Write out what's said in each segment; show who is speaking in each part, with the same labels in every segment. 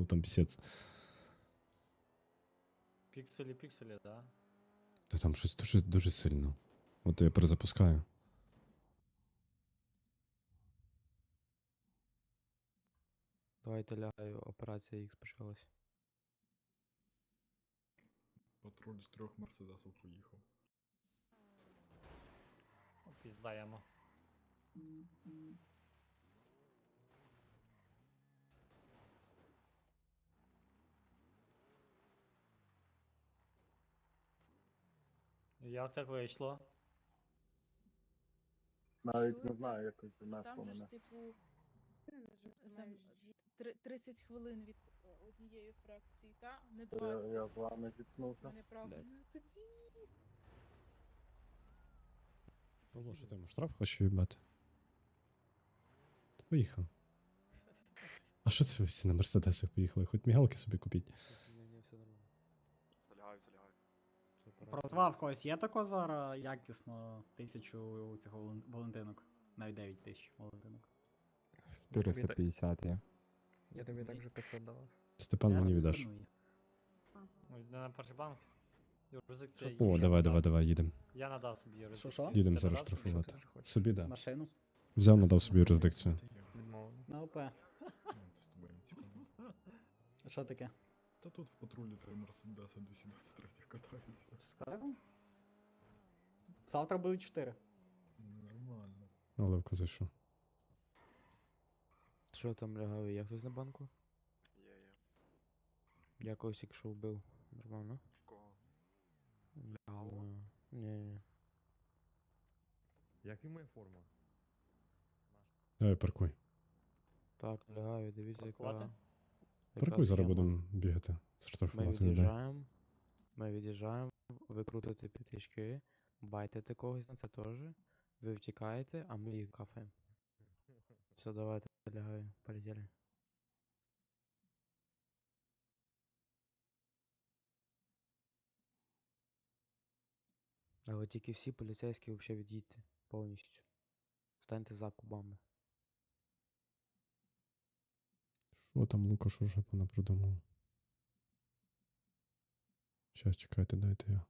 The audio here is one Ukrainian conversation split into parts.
Speaker 1: там пісець.
Speaker 2: Пікселі, да?
Speaker 1: Та там щось дуже, дуже сильно. От я перезапускаю.
Speaker 3: Давайте лягаю, операція X почалась.
Speaker 4: Патруль з 3 мерседесів поїхав.
Speaker 2: Піздаємо. Як так вийшло?
Speaker 5: Навіть не знаю, якось занесло
Speaker 6: Там же ж,
Speaker 5: мене.
Speaker 6: типу, за 30 хвилин від однієї фракції, та? Не
Speaker 5: То
Speaker 6: 20.
Speaker 5: я з вами зіткнувся.
Speaker 6: Мене правда.
Speaker 3: Блядь.
Speaker 6: Ну, тоді...
Speaker 1: Павло, що ти йому штраф хочеш відбати? Та поїхав. А що це ви всі на мерседесах поїхали? Хоч мігалки собі купіть.
Speaker 3: Ні, все нормально.
Speaker 7: Залягаю.
Speaker 3: Все, операція.
Speaker 8: Братва, в когось є тако зараз якісно 1000 цього Валентинок? Навіть 9000 Валентинок.
Speaker 9: 450 є.
Speaker 3: Я тобі так же 500 давав.
Speaker 1: Степан мені віддаш.
Speaker 8: Ну, є.
Speaker 2: Ну, йде на перший банк. Юрисдикція
Speaker 1: О,
Speaker 2: їжа
Speaker 1: давай,
Speaker 2: надав.
Speaker 1: давай, давай, їдем.
Speaker 2: Я надав собі юрисдикцію.
Speaker 8: Що?
Speaker 1: Їдемо
Speaker 2: Ти
Speaker 1: зараз
Speaker 2: надав собі?
Speaker 1: штрафувати.
Speaker 3: Що ти хочеш?
Speaker 1: Собі, да.
Speaker 8: Машину?
Speaker 1: Взяв, надав собі юрисдикцію.
Speaker 3: Відмовлено.
Speaker 8: На ОП.
Speaker 4: Ну, то з тобою не цікаво.
Speaker 8: А що таке?
Speaker 4: Та тут в патрулі 3 мерседеси 223 катаються.
Speaker 8: Скажу? Завтра буде 4.
Speaker 4: Нормально.
Speaker 1: Оливко зайшов.
Speaker 3: Що там лягаю? Є хтось на банку?
Speaker 7: Є.
Speaker 3: Я когось якщо вбив. Нормально?
Speaker 7: Кого?
Speaker 3: Ні.
Speaker 9: Як ти моя форма?
Speaker 1: Давай, паркуй.
Speaker 3: Так, лягаю, дивіться,
Speaker 2: Паркувати?
Speaker 3: яка
Speaker 1: Паркуй, зараз
Speaker 3: схема.
Speaker 1: будемо бігати.
Speaker 3: Ми
Speaker 1: Штрафувати людей.
Speaker 3: від'їжджаємо, ви крутите п'ятички, байтите когось на це теж, ви втікаєте, а ми їх кафаємо. Все, давайте, лягаю, полетіли. Але тільки всі поліцейські взагалі від'їдьте повністю. Станьте за кубами.
Speaker 1: Що там Лукаш уже понапридумав? Щас, чекайте, дайте я.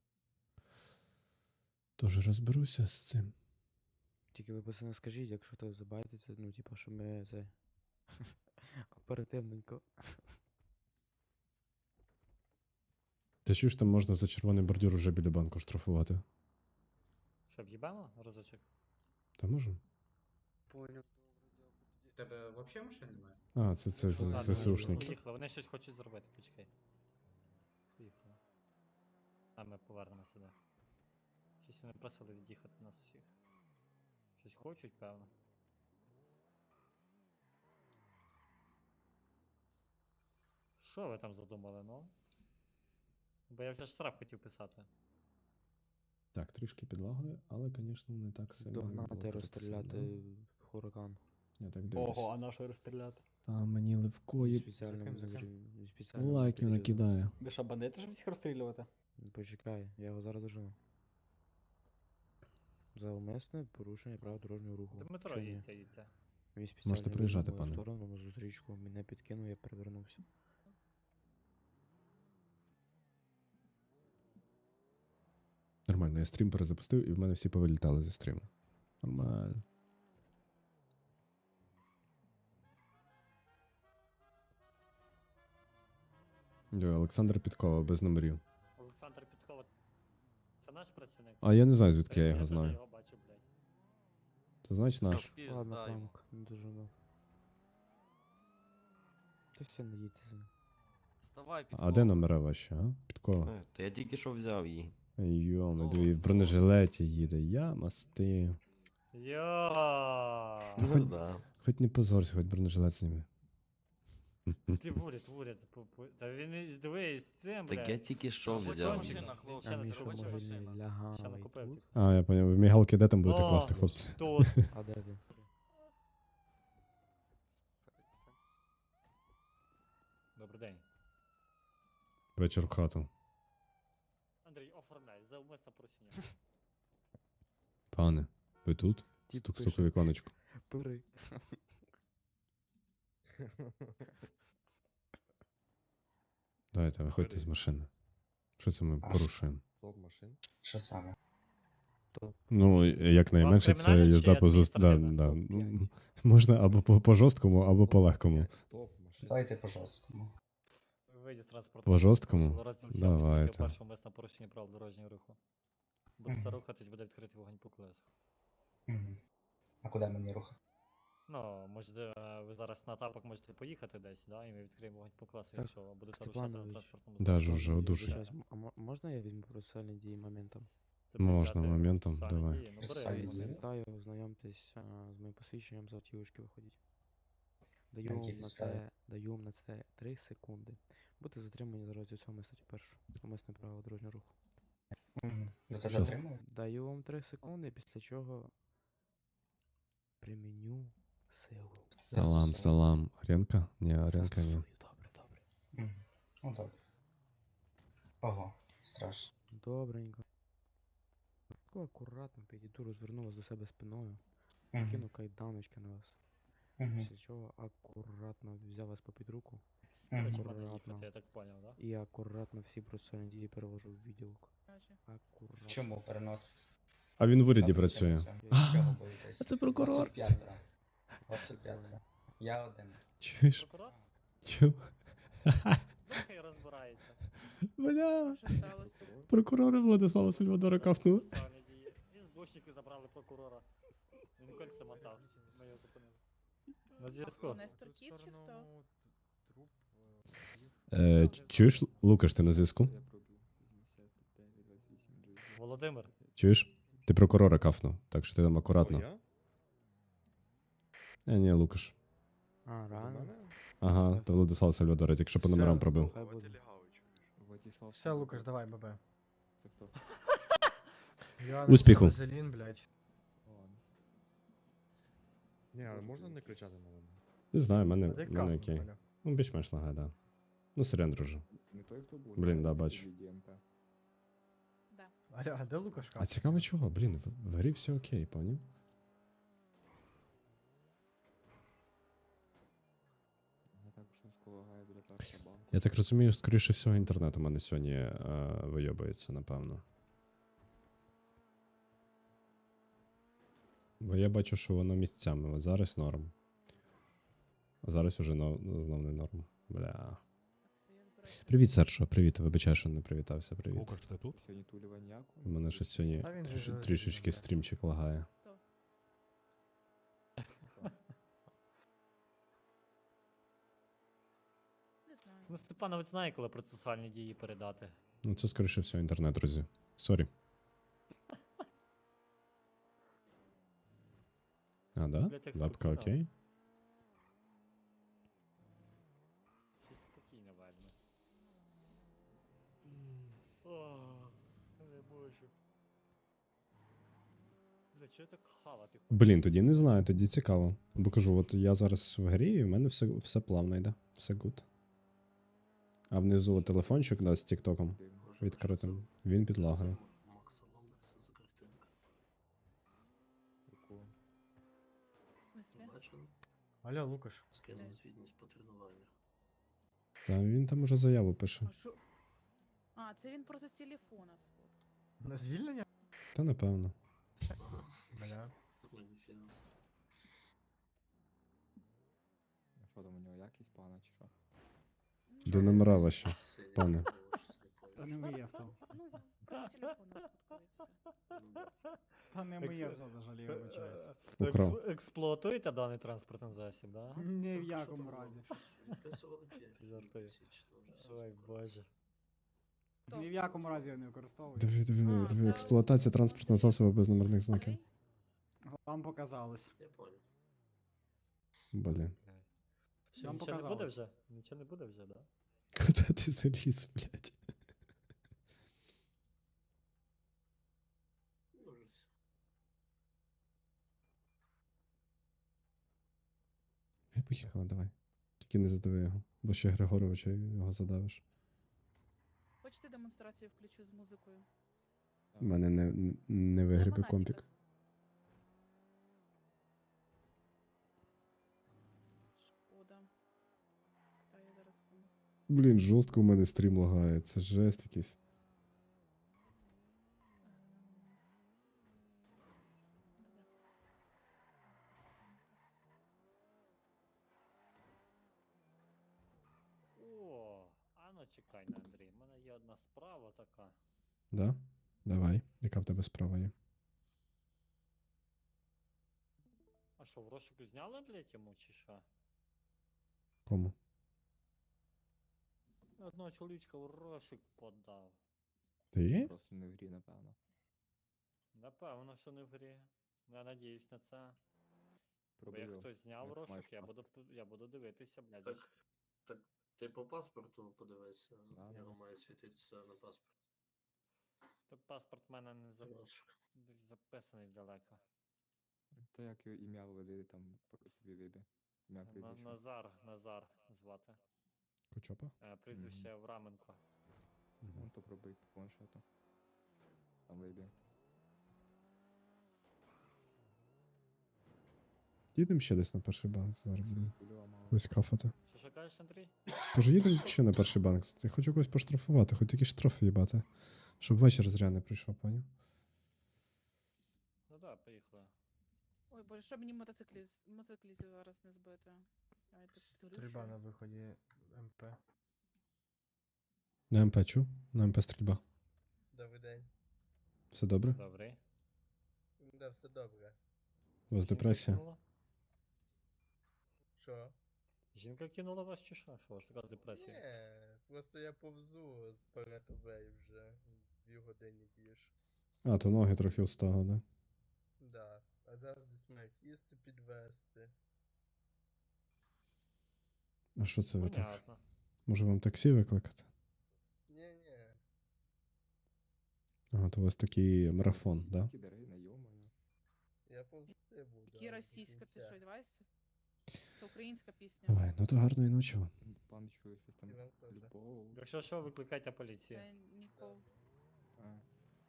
Speaker 1: Тоже розберуся з цим.
Speaker 3: Тільки ви пацани скажіть, якщо то забайтиться, ну типа, що ми це оперативненько.
Speaker 1: Ти чуєш, там можна за червоний бордюр уже біля банку штрафувати?
Speaker 2: Що, в'їбемо разочок?
Speaker 1: Та можемо?
Speaker 3: Понял.
Speaker 10: В тебе взагалі машин немає?
Speaker 1: А, це
Speaker 2: Ладно,
Speaker 1: ЗСУшники.
Speaker 2: Поїхали, вони щось хочуть зробити, почекай. Поїхали. А ми повернемося сюди. Щось вони просили від'їхати нас усіх. Щось хочуть, певно. Що ви там задумали, ну? Бо я вже штраф хотів писати.
Speaker 1: Так, трішки підлагою, але, звісно, не так сильно. як було
Speaker 3: Догнати,
Speaker 1: перед
Speaker 3: розстріляти
Speaker 1: цим,
Speaker 3: хуракан.
Speaker 1: да? Я так дивлюсь.
Speaker 8: Ого, а на що розстріляти?
Speaker 1: Там мені Левкої
Speaker 3: Спеціально
Speaker 1: лайків накидає.
Speaker 8: Ви що, бандити, щоб всіх розстрілювати?
Speaker 3: Почекай, я його зараз дожену. За умисне порушення правил дорожнього руху.
Speaker 2: Дмитро,
Speaker 3: Чи ні?
Speaker 2: їдьте.
Speaker 3: Він спеціально
Speaker 1: приїжджати,
Speaker 3: виїхав в мою
Speaker 1: пане.
Speaker 3: сторону на зустрічку, мене підкинув, я перевернувся.
Speaker 1: Нормально, я стрім перезапустив і в мене всі повилітали зі стріму. Нормально. Йо, Олександр Підкова, без номерів.
Speaker 2: Олександр Підкова. Це наш працівник?
Speaker 1: А я не знаю, звідки я його
Speaker 2: теж
Speaker 1: знаю.
Speaker 2: його бачу, блядь.
Speaker 1: Це значить наш.
Speaker 3: Ладно, памок, не доженув. Та все, не їдьте за ним.
Speaker 7: Вставай,
Speaker 1: А де номера ваші, а? Підкова.
Speaker 7: Та я тільки що взяв її.
Speaker 1: Йоми,
Speaker 7: Ну,
Speaker 1: дві в
Speaker 7: все.
Speaker 1: бронежилеті їде. Я масти.
Speaker 2: Йо!
Speaker 1: Хоч-
Speaker 7: да.
Speaker 1: Хоч не позорся, хоч бронежилет зніми.
Speaker 2: Ти вурять. Та він і дивись з цим, блядь.
Speaker 7: Так я тільки що
Speaker 2: Робоча
Speaker 7: взяв.
Speaker 2: машина,
Speaker 7: її.
Speaker 2: хлопці.
Speaker 3: А
Speaker 2: Ще не
Speaker 3: Міша
Speaker 2: заробоча
Speaker 3: могильний
Speaker 2: Ще не
Speaker 3: лягавий
Speaker 2: купив.
Speaker 3: тут.
Speaker 1: А, я поняв. В мігалки де там будете
Speaker 2: О,
Speaker 1: класти, хлопці?
Speaker 2: Тут.
Speaker 3: А де ти?
Speaker 2: Добрий день.
Speaker 1: Вечір в хату.
Speaker 2: Андрій, оформляй, за умисне порушення.
Speaker 1: Пане, ви тут?
Speaker 3: Тіп
Speaker 1: Стук-стук у
Speaker 3: пише.
Speaker 1: віконечко.
Speaker 3: Пири.
Speaker 1: Давайте, виходьте з машини. Що це ми порушуємо?
Speaker 9: Стоп машин.
Speaker 10: Що саме?
Speaker 1: Ну, якнайменше це
Speaker 2: кримінальне чи
Speaker 1: їзда по Да,
Speaker 2: адміністративне?
Speaker 1: да. Можна або по жорсткому, або по легкому.
Speaker 9: Стоп машин.
Speaker 10: Давайте по жорсткому.
Speaker 2: Вийді з транспортного
Speaker 1: По жорсткому?
Speaker 2: засобу, розділ сьомий,
Speaker 1: Давайте.
Speaker 2: стаття перша, умисне порушення правил дорожнього руху. Будете рухатись, буде відкритий вогонь по колесах.
Speaker 10: Мгм. А куди мені рухати?
Speaker 2: Ну, можете, ви зараз на тапок можете поїхати десь, да, і ми відкриємо вогонь по колесах,
Speaker 3: Так,
Speaker 2: якщо будете рушати на
Speaker 3: Степанович.
Speaker 2: транспортному
Speaker 1: Да,
Speaker 2: засобі.
Speaker 1: Жужа, одужуй.
Speaker 3: Вибачаюсь, а можна я візьму процесуальні дії моментом?
Speaker 2: Це
Speaker 1: Можна
Speaker 2: взяти
Speaker 1: моментом,
Speaker 2: процесуальні
Speaker 1: давай.
Speaker 2: дії. Ну, бери
Speaker 10: Процесуальні
Speaker 2: момент.
Speaker 10: дії.
Speaker 3: Вітаю, ознайомтесь з моїм посвідченням з автівочки виходіть. Даю
Speaker 10: На
Speaker 3: вам
Speaker 10: якій
Speaker 3: на
Speaker 10: підставі?
Speaker 3: це, даю вам на це 3 секунди. Будете затримані за розділ 7 статті 1. Умисне право дорожнього руху.
Speaker 10: Ви це
Speaker 1: Що?
Speaker 10: затримуєте?
Speaker 3: Даю вам 3 секунди, після чого приміню силу.
Speaker 1: Салам, салам. Аренка? Ні, Аренка ні.
Speaker 3: Застосую. Добре, добре.
Speaker 10: Мгм. Ну добре. Ого, страшно.
Speaker 3: Добренько. Тако акуратно підійду, розверну вас до себе спиною,
Speaker 10: Мгм.
Speaker 3: кину кайданочки на вас.
Speaker 10: Мгм.
Speaker 3: Після чого акуратно взяв вас попід руку
Speaker 2: До речі,
Speaker 10: Мгм.
Speaker 2: в мене
Speaker 3: Акуратно.
Speaker 2: їхати, я так поняв, да?
Speaker 3: і акуратно всі процесуальні дії перевожу в відділок.
Speaker 6: Каже.
Speaker 3: Акуратно.
Speaker 10: Чому переносити?
Speaker 1: А він в уряді
Speaker 10: Та
Speaker 1: працює.
Speaker 10: причина в цьому? Чого боїтесь?
Speaker 1: А це прокурор.
Speaker 10: Вас тут п'ятеро. Вас тут п'ятеро. Я один.
Speaker 1: Чуєш?
Speaker 2: Прокурор?
Speaker 1: Чу?
Speaker 2: Нехай розбирається.
Speaker 1: Бля.
Speaker 6: Що сталося?
Speaker 1: Прокурори Владислава Сальвадора кафнули.
Speaker 2: Процесуальні дії. І збушники забрали прокурора. Він кольця мотав. Ми його зупинили. На зв'язку.
Speaker 6: Нестор Кіт чи хто?
Speaker 1: Чуєш, Лукаш, ти на зв'язку?
Speaker 2: Володимир.
Speaker 1: Чуєш? Ти прокурора кафнув, так що ти там акуратно.
Speaker 9: О,
Speaker 1: Ні, Лукаш.
Speaker 3: А, реально?
Speaker 1: Ага,
Speaker 3: Все.
Speaker 1: та Владислав Сальвадора, тільки що по
Speaker 8: Все.
Speaker 1: номерам пробив.
Speaker 3: Хай буде.
Speaker 8: Все, Лукаш, давай, ББ.
Speaker 1: Успіху.
Speaker 8: Вазелін, блядь.
Speaker 9: Ні, а можна не кричати на мене?
Speaker 1: Не знаю, в мене,
Speaker 8: Де
Speaker 1: в мене окей.
Speaker 8: Аля?
Speaker 1: Ну, більш-менш лагає, да. Ну, сирен, друже.
Speaker 9: Не той, хто був.
Speaker 1: Блін, да, бачу.
Speaker 6: Да.
Speaker 8: Аля, а де Лукаш?
Speaker 1: А цікаво чого? Блін, в грі все окей, поняв? Я так розумію, скоріше всього, інтернет у мене сьогодні вийобується, напевно. Бо я бачу, що воно місцями. От зараз норм. А зараз уже знов не норм. Бля.
Speaker 6: Так, все, я збираюся.
Speaker 1: Привіт, Серджо, привіт. Вибачаю, що не привітався. Привіт.
Speaker 9: Лукаш, ти тут? Сьогодні туліва ніяку.
Speaker 1: У мене щось сьогодні
Speaker 8: Та він же ж
Speaker 1: трішечки
Speaker 8: розуміє.
Speaker 1: стрімчик лагає.
Speaker 6: Не знаю.
Speaker 2: Ну, Степановець знає, коли процесуальні дії передати.
Speaker 1: Ну, це скоріше всього інтернет, друзі. Сорі. А, да?
Speaker 2: Блядь, як
Speaker 1: Лапка
Speaker 2: спокійно.
Speaker 1: окей?
Speaker 2: Щось спокійно видно. Не можу. Бля, чого я так хавати хочу?
Speaker 1: Блін, тоді не знаю, тоді цікаво. Бо кажу, от я зараз в грі, і в мене все плавно йде. Все гуд. А внизу телефончик да, з тіктоком відкритим. Він підлагає.
Speaker 6: В смислі?
Speaker 8: Аля, Лукаш.
Speaker 1: Та він там уже заяву пише.
Speaker 6: А що? А, це він просто з телефона сфоткав.
Speaker 8: На звільнення?
Speaker 1: Та напевно.
Speaker 8: Бля.
Speaker 9: Що там у нього якість пана чи що?
Speaker 1: До номера ваші, пане.
Speaker 8: Та не моє авто.
Speaker 6: Ну, просто з телефона сфоткав і все.
Speaker 8: Та не моє авто, на жаль, я вибачаюсь.
Speaker 1: Украв.
Speaker 2: Експлуатуєте даний транспортний засіб, да?
Speaker 8: Ні в якому разі.
Speaker 2: Жартую. Ой, боже.
Speaker 8: Ні в якому разі я не використовую.
Speaker 1: Диви, експлуатація транспортного засобу без номерних знаків.
Speaker 6: Окей.
Speaker 8: Вам показалось.
Speaker 1: Блін.
Speaker 2: Що,
Speaker 8: Вам
Speaker 2: нічого не буде
Speaker 8: показалось.
Speaker 2: вже? Нічого не буде вже, да?
Speaker 1: Куди ти заліз, блядь? Я поїхала, давай. Тільки не задави його, бо ще Григоровича його задавиш.
Speaker 6: Хочете демонстрацію включу з музикою?
Speaker 1: У мене не вигрібе
Speaker 6: Монатікас.
Speaker 1: компік.
Speaker 6: Шкода. Та я зараз
Speaker 1: Блін, жорстко у мене стрім лагає. Це жесть якийсь.
Speaker 2: О, а ну чекай на Андрій, в мене є одна справа така.
Speaker 1: Да? Давай. Яка в тебе справа є?
Speaker 2: А що, в розшуку зняли, блядь, йому чи що?
Speaker 1: Кому?
Speaker 2: Одного чоловічка в розшук подав.
Speaker 1: Ти?
Speaker 9: Просто не в грі, напевно.
Speaker 2: Напевно, що не в грі. Я надіюсь на це. Бо як
Speaker 9: Пробив.
Speaker 2: хтось зняв
Speaker 9: як
Speaker 2: розшук,
Speaker 9: маєш
Speaker 2: я буду дивитися, блядь.
Speaker 11: Так ти по паспорту подивися,
Speaker 9: Да,
Speaker 11: його
Speaker 9: да.
Speaker 11: має світитися на паспорт.
Speaker 2: То паспорт в мене не
Speaker 11: Розшук.
Speaker 2: десь записаний далеко.
Speaker 9: Та як його ім'я введи, там тобі вийде. Ім'я прізвище.
Speaker 2: Назар звати.
Speaker 1: Кочопа?
Speaker 2: Прізвище Враменко.
Speaker 9: Ну, то пробий по планшету. Там вийде.
Speaker 1: Їдемо ще десь на перший банк зараз будемо.
Speaker 9: Кульова мало.
Speaker 1: Когось кафати.
Speaker 2: Що кажеш, Андрій?
Speaker 1: Може їдемо ще на перший банк? Я хочу когось поштрафувати, хоч якісь штрафи їбати. Щоб вечір зря не прийшов, поняв?
Speaker 2: Ну да, поїхали.
Speaker 6: Ой, боже, щоб мені мотоциклістів зараз не збити. Я тут
Speaker 3: Стрільба на виході МП.
Speaker 1: На МП чу? На МП стрільба.
Speaker 11: Добрий день.
Speaker 1: Все добре?
Speaker 2: Добрий.
Speaker 11: Да, все добре.
Speaker 1: У вас депресія?
Speaker 11: Що?
Speaker 2: Жінка кинула вас чи що? Що у вас така депресія?
Speaker 11: Ні, просто я повзу з Паратовей вже 2 години більше.
Speaker 1: А, то ноги трохи устало, да?
Speaker 11: Да. А зараз десь маю їсти підвести.
Speaker 1: А що це ви так?
Speaker 2: Понятно.
Speaker 1: Може вам таксі викликати?
Speaker 11: Ні-ні.
Speaker 1: Ага, то у вас такий марафон, да?
Speaker 9: Скідери, найомаю.
Speaker 11: Я повзти буду.
Speaker 6: Які
Speaker 11: аж до
Speaker 6: російська, це
Speaker 11: кінця.
Speaker 6: щось, Вася? Це українська пісня.
Speaker 1: Ой, ну то гарної ночі вам.
Speaker 9: Пан чує щось там.
Speaker 11: І вам теж.
Speaker 9: Любов.
Speaker 2: Якщо що, викликайте поліцію.
Speaker 6: Це Нікол.
Speaker 9: А.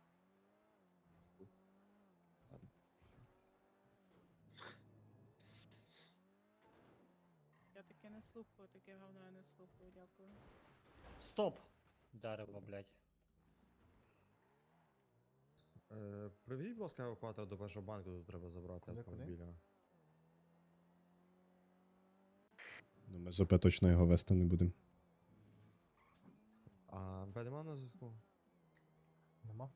Speaker 9: Ладно.
Speaker 6: Я таке не слухаю, таке говно я не слухаю, дякую.
Speaker 2: Стоп! Дерево, блядь.
Speaker 7: Привезіть, будь ласка, евакуатор до першого банку, тут треба забрати
Speaker 3: Куди,
Speaker 7: автомобіля.
Speaker 1: Ну, ми з ОП точно його вести не будемо.
Speaker 7: А МП нема на зв'язку?
Speaker 3: Нема?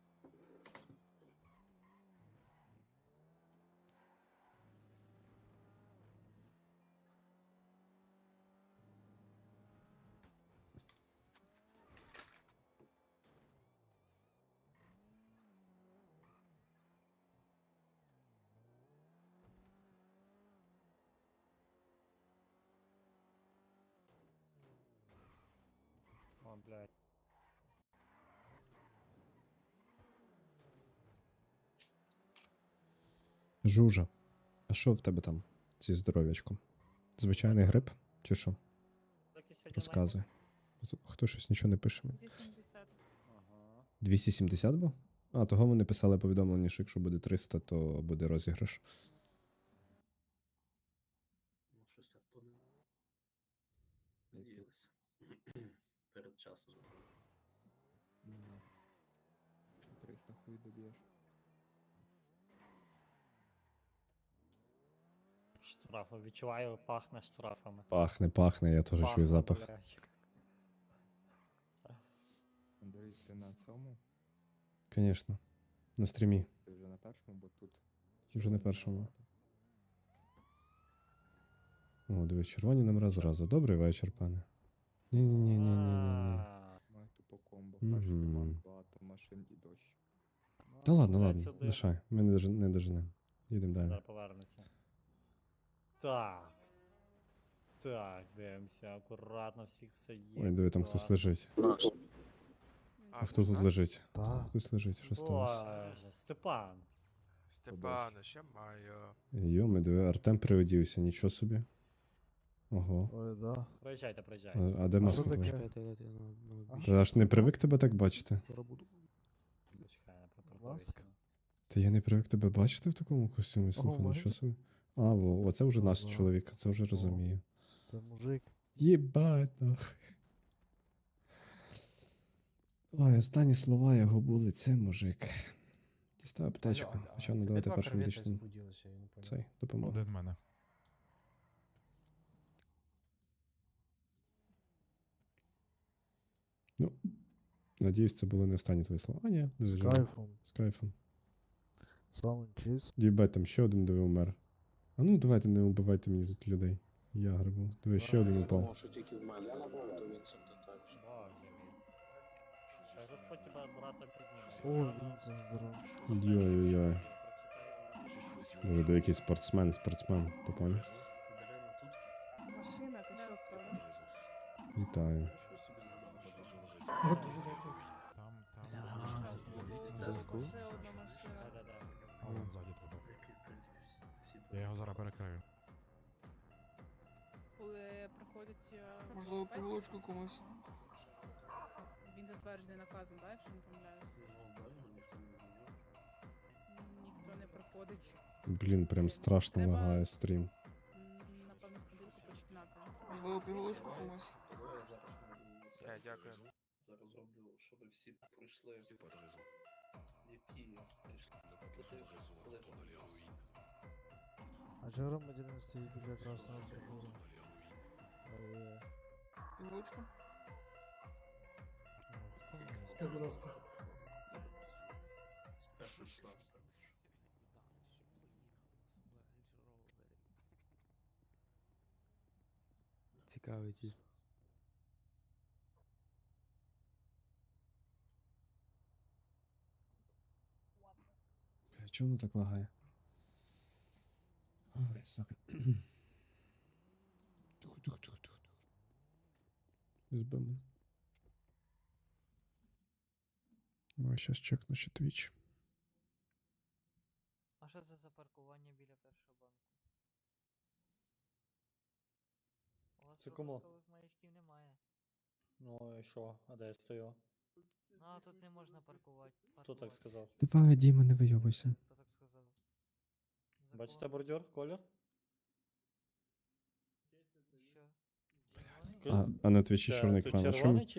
Speaker 2: О, блядь.
Speaker 1: Жужа, а що в тебе там зі здоров'ячком? Звичайний грип? Чи що?
Speaker 2: Так і сьогодні
Speaker 1: Розказуй. Хто щось нічого не пише мені.
Speaker 6: Зі 70.
Speaker 2: Ага.
Speaker 1: 270 був? А, того вони писали повідомлення, що якщо буде 300, то буде розіграш.
Speaker 11: Ну, щось так буде.
Speaker 9: Який?
Speaker 11: Надіялися. Перед часом.
Speaker 9: Ні. 300 хуй доб'єш.
Speaker 2: Штрафи. Відчуваю, пахне штрафами.
Speaker 1: Пахне, я теж чую
Speaker 2: Пахне,
Speaker 1: запах.
Speaker 2: блядь.
Speaker 9: Андрій, ти на цьому?
Speaker 1: Звісно. На стрімі.
Speaker 9: Ти вже на першому, бо тут.
Speaker 1: Вже на
Speaker 9: червоні
Speaker 1: першому.
Speaker 9: набагато.
Speaker 1: О, дивись, червоні номера зразу. Добрий вечір, пане. Ні-ні-ні-ні-ні-ні.
Speaker 2: А,
Speaker 9: Має тупо комбо.
Speaker 1: Мгм.
Speaker 9: Перший банк, багато машин і дощ.
Speaker 2: ну,
Speaker 1: Та ладно,
Speaker 2: блядь,
Speaker 1: ладно,
Speaker 2: сюди.
Speaker 1: лишай. Ми не доженемо. Їдемо далі.
Speaker 2: Зараз повернеться. Так. Так, дивимося, акуратно всіх все є.
Speaker 1: Ой, диви, там хтось
Speaker 2: клас.
Speaker 1: лежить. А хто тут лежить? Хтось лежить, що сталося?
Speaker 2: Боже, Степан.
Speaker 9: Степанич,
Speaker 7: я маю.
Speaker 1: Йоми, диви, Артем приодівся, нічого собі. Ого.
Speaker 3: Ой, да.
Speaker 2: Проїжджайте, проїжджайте.
Speaker 1: А де маска
Speaker 3: таке?
Speaker 1: твоя?
Speaker 3: Чекайте, дайте на
Speaker 1: Ти аж не привик тебе так бачити?
Speaker 2: Чекай, я припаркуюся.
Speaker 1: Та я не привик тебе бачити в такому костюмі, слухай,
Speaker 3: Ого,
Speaker 1: нічого собі. А, оце вже наш
Speaker 3: Ага.
Speaker 1: чоловік, це вже розумію.
Speaker 3: Це мужик.
Speaker 1: Єбать, нахуй. Ой, останні слова його були, це мужик. Дістав аптечку, почав надавати першу медичну. Цей, допомогу.
Speaker 4: Один в мене.
Speaker 1: Ну, надіюсь, це були не останні твої слова. А, ні, не
Speaker 9: З
Speaker 1: звичайно.
Speaker 9: кайфом.
Speaker 1: З кайфом.
Speaker 9: Слава чиз.
Speaker 1: Дібать, там ще один диви умер. А ну давайте не убивайте мені тут людей. Я грибу. Диви, ще один упав.
Speaker 2: Боже мій. Хай Господь тебе, брата, підніме.
Speaker 9: О, він це здоров.
Speaker 1: Йой-йой-йой. Диви, до якийсь спортсмен, ти поняв?
Speaker 6: Машина, кашок, правда?
Speaker 1: Вітаю.
Speaker 3: Зв'язку.
Speaker 6: Ще одна машина.
Speaker 2: Да-да-да.
Speaker 4: А вон ззаді тебе. Я його зараз перекрию.
Speaker 6: Коли приходять...
Speaker 11: Можливо,
Speaker 6: п'ять,
Speaker 11: пігулочку комусь.
Speaker 6: Він затверджений наказом, так, якщо не помиляюсь? Ніхто не проходить.
Speaker 1: Блін, прям страшно
Speaker 6: Треба
Speaker 1: лагає стрім.
Speaker 6: Напевно, з поділку починати.
Speaker 11: Можливо, пігулочку комусь.
Speaker 3: Дякую.
Speaker 11: Зараз роблю, щоб всі пройшли. Які
Speaker 9: А же громадянин стоїть біля красного прибору?
Speaker 11: Пігулочку?
Speaker 9: Будь ласка.
Speaker 11: Спершу йшла.
Speaker 3: Цікавий тип.
Speaker 1: Чому воно так лагає? Ой, сука. Тихо. Збив мене. Ой, щас чекну ще твіч.
Speaker 2: А що це за паркування біля першого банку? У вас
Speaker 5: Це кому?
Speaker 2: пропускових маячків немає.
Speaker 5: Ну і що? А де я стою?
Speaker 2: Ну, а тут не можна паркувати.
Speaker 5: Хто так сказав?
Speaker 1: Давай, Діма, не вийобуйся.
Speaker 2: Хто так сказав?
Speaker 5: Бачите
Speaker 2: Закон.
Speaker 5: бордюр, колір?
Speaker 2: Що?
Speaker 1: А на твічі
Speaker 5: Це
Speaker 1: чорний
Speaker 5: тут
Speaker 1: екран. А чому?
Speaker 5: червоний чи